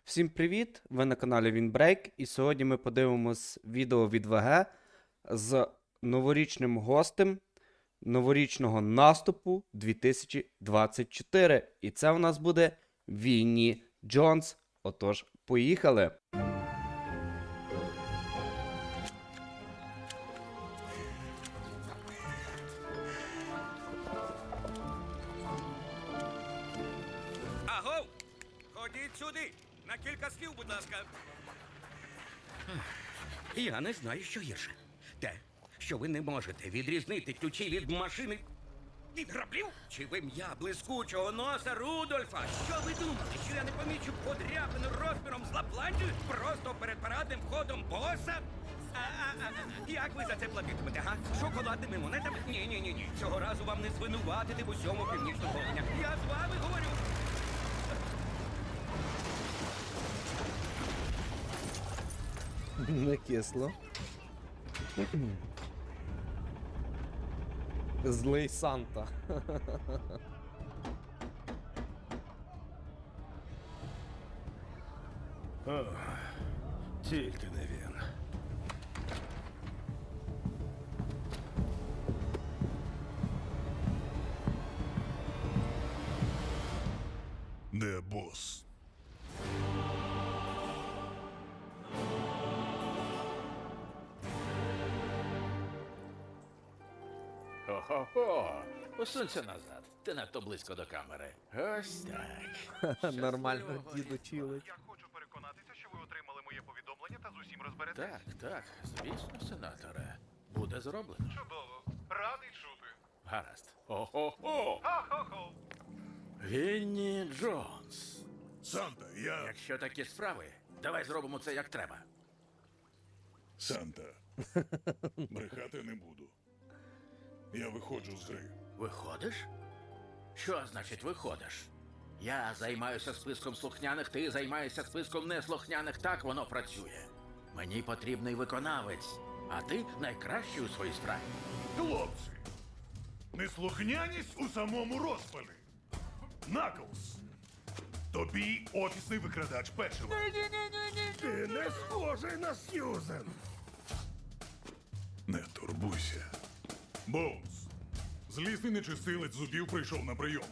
Всім привіт! Ви на каналі Вінбрейк, і сьогодні ми подивимось відео від ВГ з новорічним гостем новорічного наступу 2024. І це у нас буде Вінні Джонс. Отож, поїхали! Агов! Ходіть сюди! На кілька слів, будь ласка. Я не знаю, що гірше. Те, що ви не можете відрізнити ключі від машини від граблів? Чи вим'я блискучого носа Рудольфа? Що ви думали, що я не помічу подряпину розміром з Лапландію просто перед парадним входом боса? Як ви за це платитимете, га? Шоколадними монетами? Ні. Цього разу вам не звинуватити в усьому північного Волиня. Я з вами говорю. Не кисло. Злий Санта. О, тільки не він. Де бос? Хо-хо-хо! Посунься назад. Ти надто близько до камери. Ось так. Нормально діду чилить. Я хочу переконатися, що ви отримали моє повідомлення та з усім розберетесь. Так, звісно, сенаторе. Буде зроблено. Чудово. Радий чути. Гаразд. Хо-хо-хо! Ха-ха-ха. Вінні Джонс. Санта, я... Якщо такі справи, давай зробимо це як треба. Санта. Брехати не буду. Я виходжу з гри. Виходиш? Що значить виходиш? Я займаюся списком слухняних, ти займаєшся списком неслухняних. Так воно працює. Мені потрібний виконавець, а ти найкращий у своїй справі. Хлопці, неслухняність у самому розпалі. Наклз. Тобі офісний викрадач печива. Ти не схожий на Сьюзен. Не турбуйся. Боунс. Злісний нечистилець зубів прийшов на прийом.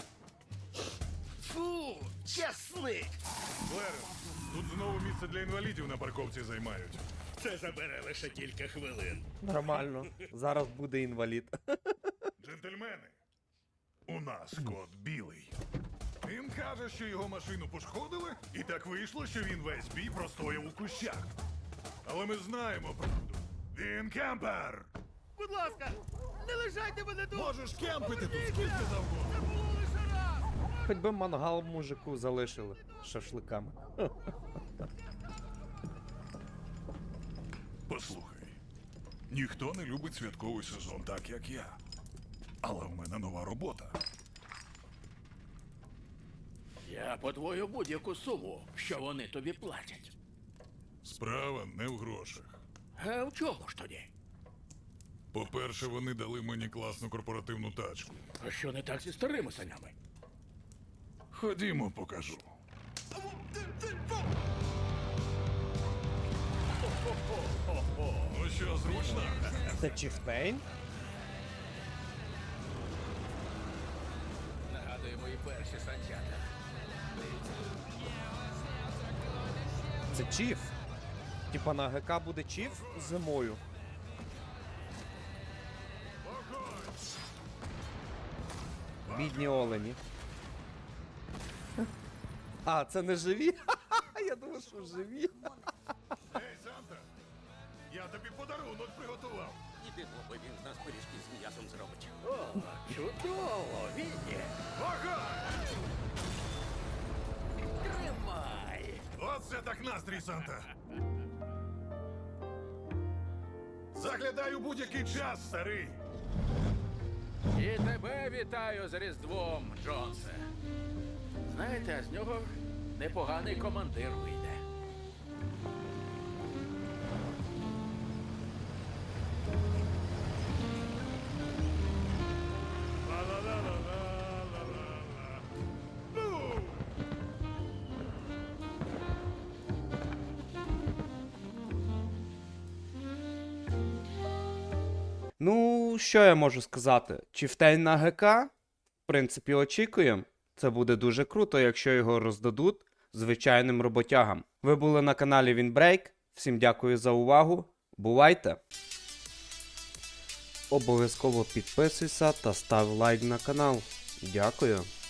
Фу, чесник. Клеренс, тут знову місце для інвалідів на парковці займають. Це забере лише кілька хвилин. Нормально. Зараз буде інвалід. Джентльмени, у нас кот білий. Він каже, що його машину пошкодили, і так вийшло, що він весь бій простояв у кущах. Але ми знаємо правду. Він кемпер! Будь ласка, не лишайте мене тут! Можеш кемпити тут скільки завгодно. Це було лише раз! Хоч би мангал мужику залишили з шашликами. Послухай, ніхто не любить святковий сезон так, як я. Але в мене нова робота. Я подвою будь-яку суму, що вони тобі платять. Справа не в грошах. А в чому ж тоді? По-перше, вони дали мені класну корпоративну тачку. А що не так зі старими санями? Ходімо, покажу. Ну що, зручно? Це Чіфтейн? Нагадує мої перші санчата. Це Чіф. Типа на ГК буде Чіф зимою. Бідні олені. А, це не живі? Я думав, що живі. Ей, Санта! Я тобі подарунок приготував. Іди, бо він з нас пиріжки з м'ясом зробить. О, чудово, Вінні! Вогонь! Тримай! Оце так настрій, Санта! Заглядай у будь-який час, старий! І тебе вітаю з Різдвом, Джонсе. Знаєте, з нього непоганий командир вийде. Ла-ла-ла-ла-ла-ла-ла. Ну! Ну, що я можу сказати? Чифтейн на ГК? В принципі, очікуємо. Це буде дуже круто, якщо його роздадуть звичайним роботягам. Ви були на каналі Вінбрейк. Всім дякую за увагу. Бувайте! Обов'язково підписуйся та став лайк на канал. Дякую.